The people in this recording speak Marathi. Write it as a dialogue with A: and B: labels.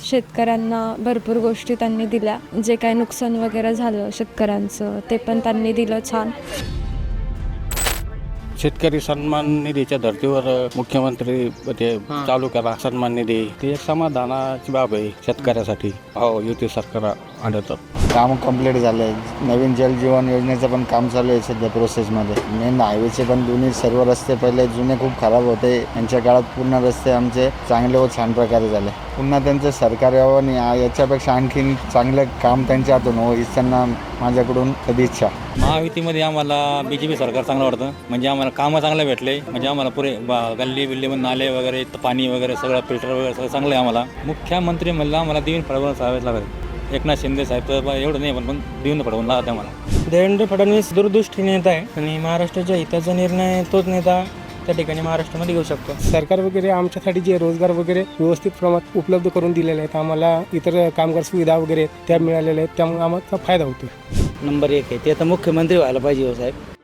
A: शेतकऱ्यांना भरपूर गोष्टी त्यांनी दिल्या. जे काही नुकसान वगैरे झालं शेतकऱ्यांचं ते पण त्यांनी दिलं छान.
B: शेतकरी सन्मान निधीच्या धर्तीवर मुख्यमंत्री ते चालू करा सन्मान निधी, ते एक समाधानाची बाब आहे शेतकऱ्यासाठी. हो, युती सरकार आढळतं.
C: काम कंप्लीट झालं आहे. नवीन जल जीवन योजनेचं पण काम चालू आहे सध्या प्रोसेसमध्ये. मेन हायवेचे पण दोन्ही सर्व रस्ते पहिले जुने खूप खराब होते, यांच्या काळात पूर्ण रस्ते आमचे चांगले व छान प्रकारे झाले. पुन्हा त्यांचं सरकार यावं आणि याच्यापेक्षा आणखीन चांगलं काम त्यांच्या हातून हो हीच त्यांना माझ्याकडून सदिच्छा.
D: महायुतीमध्ये आम्हाला BJP सरकार चांगलं वाटतं. म्हणजे आम्हाला कामं चांगले भेटले. म्हणजे आम्हाला पुरे गल्ली बिल्लीमध्ये नाले वगैरे पाणी वगैरे सगळं फिल्टर वगैरे सगळं चांगलं आहे आम्हाला. मुख्यमंत्री म्हणलं आम्हाला देवेंद्र फडणवीस साहेब लागेल. एकनाथ शिंदे साहेब तर एवढं नाही पण देवेंद्र फडणवीस लागत आम्हाला.
E: देवेंद्र फडणवीस दूरदृष्टी नेता आहे आणि महाराष्ट्राच्या हिताचा निर्णय तोच नेता त्या ठिकाणी महाराष्ट्रामध्ये घेऊ शकतो.
F: सरकार वगैरे आमच्यासाठी जे रोजगार वगैरे व्यवस्थित प्रमाणात उपलब्ध करून दिलेले आहेत, आम्हाला इतर कामगार सुविधा वगैरे त्या मिळालेल्या आहेत, त्यामुळे आम्हाला फायदा होतो.
G: नंबर 1 आहे ते आता मुख्यमंत्री व्हायला पाहिजे हो साहेब.